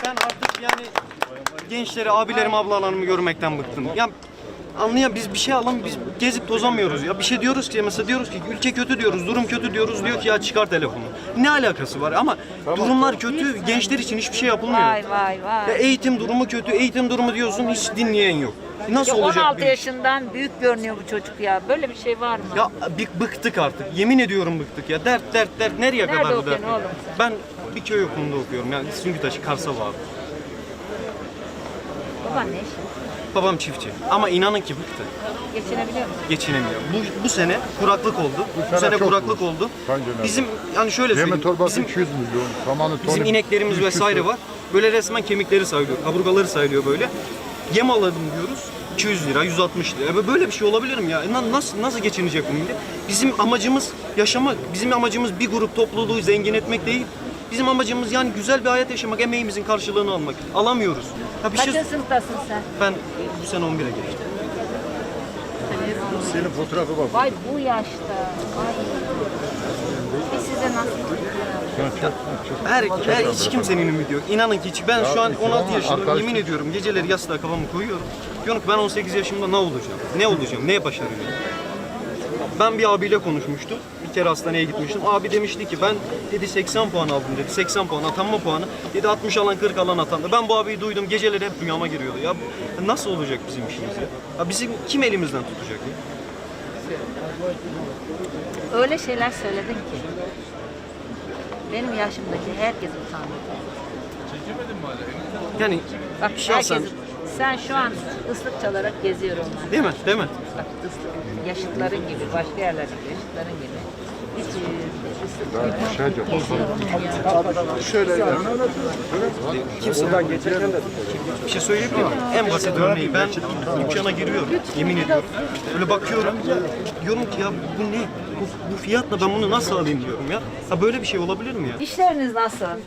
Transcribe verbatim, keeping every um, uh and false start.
Ben artık yani gençleri, abilerimi, ablalarımı görmekten bıktım. Ya anlayan biz bir şey alalım, biz gezip tozamıyoruz ya. Bir şey diyoruz ki mesela diyoruz ki ülke kötü diyoruz, durum kötü diyoruz. Diyor ki ya çıkar telefonu. Ne alakası var? Ama durumlar kötü, gençler için hiçbir şey yapılmıyor. Vay vay vay. Ya eğitim durumu kötü, eğitim durumu diyorsun hiç dinleyen yok. Nasıl Ya olacak? on altı bir- yaşından büyük görünüyor bu çocuk ya. Böyle bir şey var mı? Ya bir bıktık artık. Yemin ediyorum bıktık ya. Dert dert dert nereye Nerede kadar bu okuyorsun dert? oğlum sen? Ben bir köy okulunda okuyorum. Yani Süngütaşı, Karsava abi. Baban ne iş? Babam çiftçi. Ama inanın ki bıktı. Geçinebiliyor musun? Geçinemiyor. Bu, bu sene kuraklık oldu. Bu, sene sene çok kuraklık bu. oldu. Bence de. Bizim yani şöyle Yemin söyleyeyim. torbası Bizim, iki yüz milyon. Samanı tonu. bizim ineklerimiz üç yüz vesaire var. Böyle resmen kemikleri sayılıyor. Kaburgaları sayılıyor böyle. Yem alalım diyoruz. iki yüz lira, yüz altmış lira. Ya böyle bir şey olabilir mi ya? Na- Nasıl nasıl geçinecek bu millet? Bizim amacımız yaşamak. Bizim amacımız bir grup topluluğu zengin etmek değil. Bizim amacımız yani güzel bir hayat yaşamak, emeğimizin karşılığını almak. Alamıyoruz. Ya bir şey Kaçıncı sınıftasın sen? ben bu sene on bire geçtim. Senin fotoğrafı bak. Vay bu yaşta. Vay. Biz size nasıl Her, her hiç kimsenin ümidi yok. İnanın ki hiç. Ben şu an on altı yaşındayım. arkadaş- Yemin ediyorum geceleri yastığa kafamı koyuyorum. Diyorum ki ben on sekiz yaşımda ne olacağım? Ne olacağım? Neye başaracağım? Ben bir abiyle konuşmuştum. Bir kere hastaneye gitmiştim. Abi demişti ki ben dedi seksen puan aldım dedi. seksen puan atanma puanı. Dedi altmış alan kırk alan atandı. Ben bu abiyi duydum. Geceleri hep rüyama giriyordu. Ya nasıl olacak bizim işimiz ya? Ya bizim kim elimizden tutacak ya? öyle şeyler söyledin ki benim yaşımdaki herkes utandı. Yani Bak şahsen herkes, sen şu an ıslık çalarak geziyor onlar. değil mi? Değil mi? Bak ıslık, yaşıtların gibi, başka yerlerdeki yaşıtların gibi. Hiç e, ıslık Şey yok. geziyor. Kimse bir şey söyleyebilir miyim? En basit örneği ben dükkana giriyorum yemin ediyorum. Böyle bakıyorum diyorum ki ya bu ne? Bu, bu fiyatla ben bunu nasıl alayım diyorum ya. Ha böyle bir şey olabilir mi ya? İşleriniz nasıl?